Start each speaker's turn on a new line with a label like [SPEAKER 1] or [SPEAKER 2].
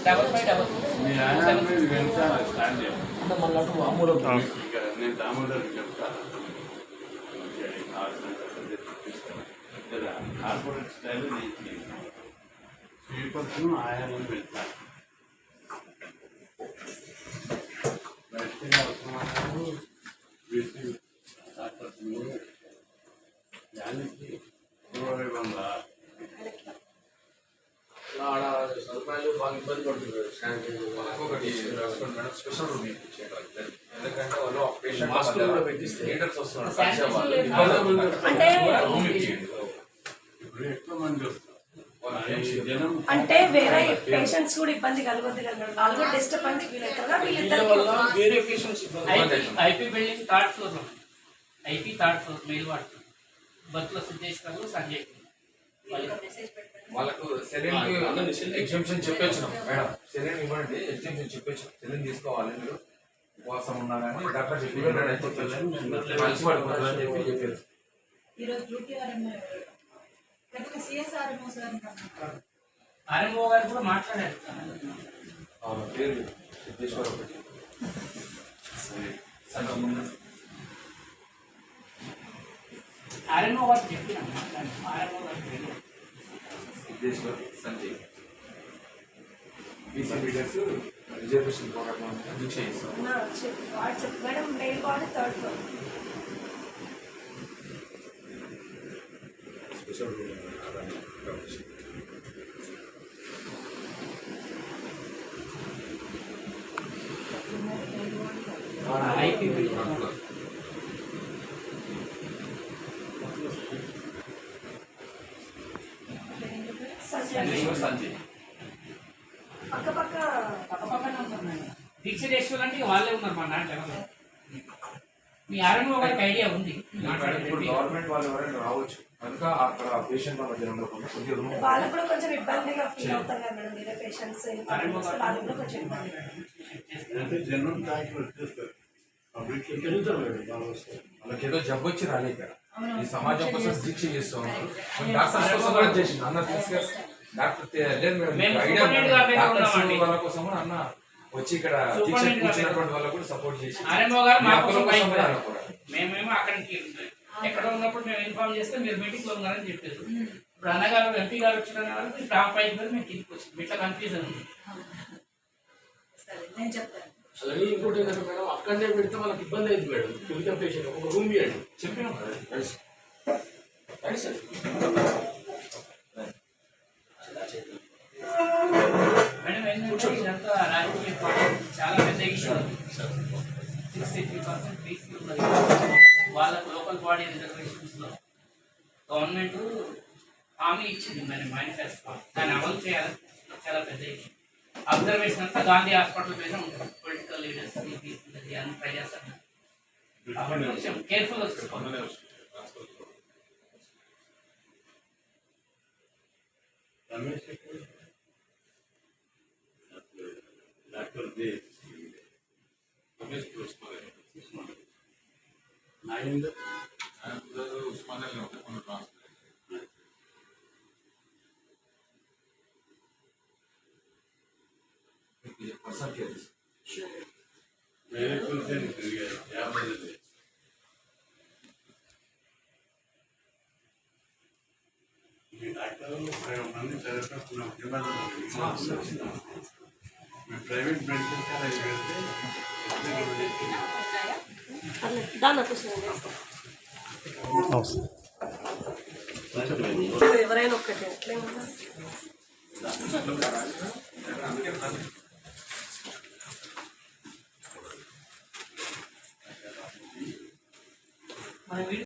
[SPEAKER 1] మీ ఆయన మీరు వెళ్తాను స్టాండ్ చేయండి. నేను దామోదర్ చెప్తాను. కార్పొరేట్ స్టైల్ స్వీపర్స్ ఆయామని వెళ్తాను. బయటగా అవసరమైనప్పుడు వీటి డాక్టర్స్ దానికి పూర్వవిధంగా
[SPEAKER 2] సదుపాయాలు బాగా ఇబ్బంది పడుతున్నారు. ఒకటి మేడం స్పెషల్ రూమ్ ఇప్పించేయడం, ఎందుకంటే వాళ్ళు పేషెంట్ మాస్కులు కూడా పెట్టిస్తే లీడర్స్ వస్తున్నారు.
[SPEAKER 1] ఇప్పుడు ఎక్కువ మంది వస్తారు.
[SPEAKER 3] అంటే వేరే పేషెంట్స్ కూడా ఇబ్బంది కలగొద్దు కదా, వాళ్ళు కూడా డిస్టర్బెన్స్ ఫీల్ అవుతారు.
[SPEAKER 4] వేరే patients IP building third floor, IP third floor male వాడుతుంది. బస్సులో సిద్ధేశ్వరంలో సంజయ్
[SPEAKER 2] వాళ్ళకు సెలైన్ ఎగ్జామ్షన్ చెప్పొచ్చినాం మేడం. సెలైన్ ఇవ్వండి, ఎగ్జామ్షన్ చెప్పొచ్చాం. సెలైన్ తీసుకోవాలి, మీరు ఉపవాసం ఉన్నా కానీ డాక్టర్ చెప్పి కలిసి పడిపోతుందని చెప్పారు.
[SPEAKER 4] ఆర్ఎంఓ గారు కూడా మాట్లాడారు.
[SPEAKER 2] పేరు సిద్ధేశ్వర ఒకటి
[SPEAKER 4] ఆర్ఎంఓ గారు చెప్పినాం, ఆర్ఎంఓ గారు
[SPEAKER 2] Siddheshwar Sanjay BC leaders reservation పోరాటం దీక్ష చేస్తాం.
[SPEAKER 3] మేడం మెయిల్ వాడు third floor
[SPEAKER 2] special
[SPEAKER 4] IP building
[SPEAKER 2] Sanjay
[SPEAKER 3] పక్కపక్కనే
[SPEAKER 4] ఉంటారు మేడం. దీక్షేశ్వర్ అంటే వాళ్ళే ఉన్నారు మా నాన్న. మీ ఆర్ఎంఓ గారికి ఐడియా ఉంది.
[SPEAKER 2] ఇప్పుడు గవర్నమెంట్ వాళ్ళు ఎవరైనా రావచ్చు కనుక అక్కడ పేషెంట్ వాళ్ళ మధ్య ఉండకుండా
[SPEAKER 3] వాళ్ళకు కూడా కొంచెం ఇబ్బందిగా ఫీల్ అవుతారు కదా మేడం. వేరే పేషెంట్స్ వాళ్ళకి కూడా కొంచెం ఇబ్బంది.
[SPEAKER 1] అంటే జనరల్ డాక్టర్ వచ్చేస్తారు, పబ్లిక్
[SPEAKER 2] వాళ్ళకి ఏదో జబ్బు వచ్చి రాలే ఇక్కడ. ఈ సమాజం కోసం దీక్ష చేస్తూ ఉన్నారు. డాక్టర్స్ కోసం కూడా చేసింది అన్న తీసుకెళ్ళి డాక్టర్ లేదు మేడం, ఐడియా డాక్టర్స్ వాళ్ళ కోసం కూడా అన్న వచ్చి ఇక్కడ దీక్ష కూర్చున్నటువంటి వాళ్ళకు కూడా సపోర్ట్ చేసి
[SPEAKER 4] మేమేమో అక్కడికి ఎక్కడ ఉన్నప్పుడు మేము ఇన్ఫార్మ్ చేస్తే మీరు మీటింగ్ లో ఉన్నారని చెప్పారు. ఇప్పుడు అన్నగారు ఎంపీ గారు వచ్చిన వాళ్ళకి టాప్ 5 మేము కిందికి వచ్చింది. ఇట్లా కన్ఫ్యూజన్ ఉంది.
[SPEAKER 5] అలాగే ఇంకోటి ఏంటంటే మేడం, అక్కడనే పెడితే వాళ్ళకి ఇబ్బంది అయింది మేడం. ఫిజికల్ పేషెంట్ ఒక రూమ్ ఇవ్వండి
[SPEAKER 2] చెప్పినాం
[SPEAKER 5] సార్.
[SPEAKER 4] మేడం ఏంటంటే ఇదంతా రాజకీయ చాలా పెద్ద ఇష్యూ. 63% ఫీజు ఉన్నది వాళ్ళకు లోకల్ బాడీ రిజర్వేషన్స్ లో. గవర్నమెంట్ హామీ ఇచ్చింది మన మేనిఫెస్టో, దాన్ని అమలు చేయాలని చాలా పెద్ద ఇష్యూ. అబ్జర్వేషన్ అంతా గాంధీ హాస్పిటల్ మీద ఉంటుంది. పొలిటికల్ లీడర్స్ అన్ని ట్రై చేస్తారు. కొంచెం కేర్ఫుల్గా చూసుకోవాలి.
[SPEAKER 1] డాక్టర్ వేరే కూర్చొని తిరిగారు 50 మీ డాక్టర్లు 30 మంది చదివేటప్పుడు మీ ప్రైవేట్ మెడికల్ కాలేజ్ వెళ్తే
[SPEAKER 3] ఎవరైనా ఒక్కటే
[SPEAKER 4] మన